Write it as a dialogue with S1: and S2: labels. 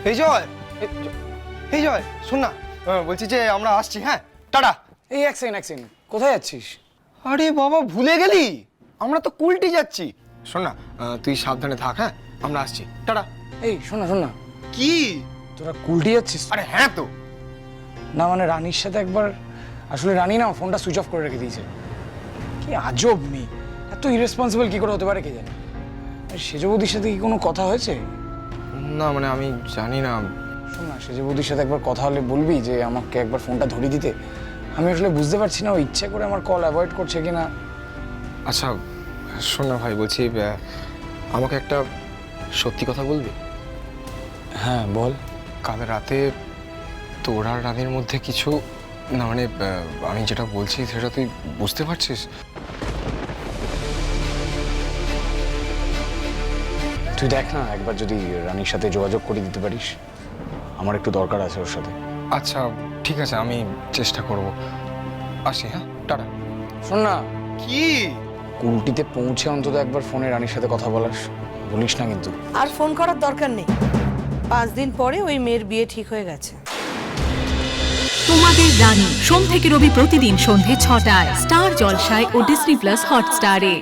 S1: এই জয়, এই জয়, শোন না, বলছি যে আমরা আসছি, হ্যাঁ, টাটা।
S2: এই এক সেকেন্ড, কোথায় যাচ্ছিস?
S1: আরে বাবা, ভুলে গেলি? আমরা তো কুলটি যাচ্ছি। শোন না, তুই সাবধানে থাক, হ্যাঁ, আমরা আসছি, টাটা।
S2: এই শোন না,
S1: কি?
S2: তোরা কুলটি যাচ্ছিস?
S1: আরে হ্যাঁ তো।
S2: না মানে রানীর সাথে একবার, আসলে রানী না ফোনটা সুইচ অফ করে রেখে দিয়েছে। কি আজব মেয়ে, এত ইরেসপন্সিবল কি করে হতে পারে কে জানে। সেজ বৌদির সাথে কি কোনো কথা হয়েছে?
S1: না মানে আমি জানি না।
S2: শোন না, সেজ বৌদির সাথে একবার কথা হলে বলবি যে আমাকে একবার ফোনটা ধরিয়ে দিতে। আমি আসলে বুঝতে পারছি না ও ইচ্ছে করে আমার কল অ্যাভয়েড করছে কিনা।
S1: আচ্ছা শোন না ভাই, বলছি আমাকে একটা সত্যি কথা বলবি?
S2: হ্যাঁ বল।
S1: কাল রাতে তোর আর রানীর মধ্যে কিছু, না মানে আমি যেটা বলছি সেটা তুই বুঝতে পারছিস?
S2: তুই দেখ না একবার যদি রানীর সাথে যোগাযোগ করে দিতে পারিস, আমার একটু দরকার আছে ওর সাথে।
S1: আচ্ছা ঠিক আছে, আমি চেষ্টা করব। আসি, হ্যাঁ, টাটা।
S2: শোন না,
S1: কি?
S2: কুলটিতে পৌঁছে অন্তত একবার ফোনে রানীর সাথে কথা বলিস না কিন্তু।
S3: আর ফোন করার দরকার নেই, 5 দিন পরে ওই মেয়ের বিয়ে ঠিক হয়ে গেছে।
S4: তোমাদের রানী সোম থেকে রবি প্রতিদিন সন্ধে 6টায় স্টার জলসায় ও ডিজনি প্লাস হটস্টারে।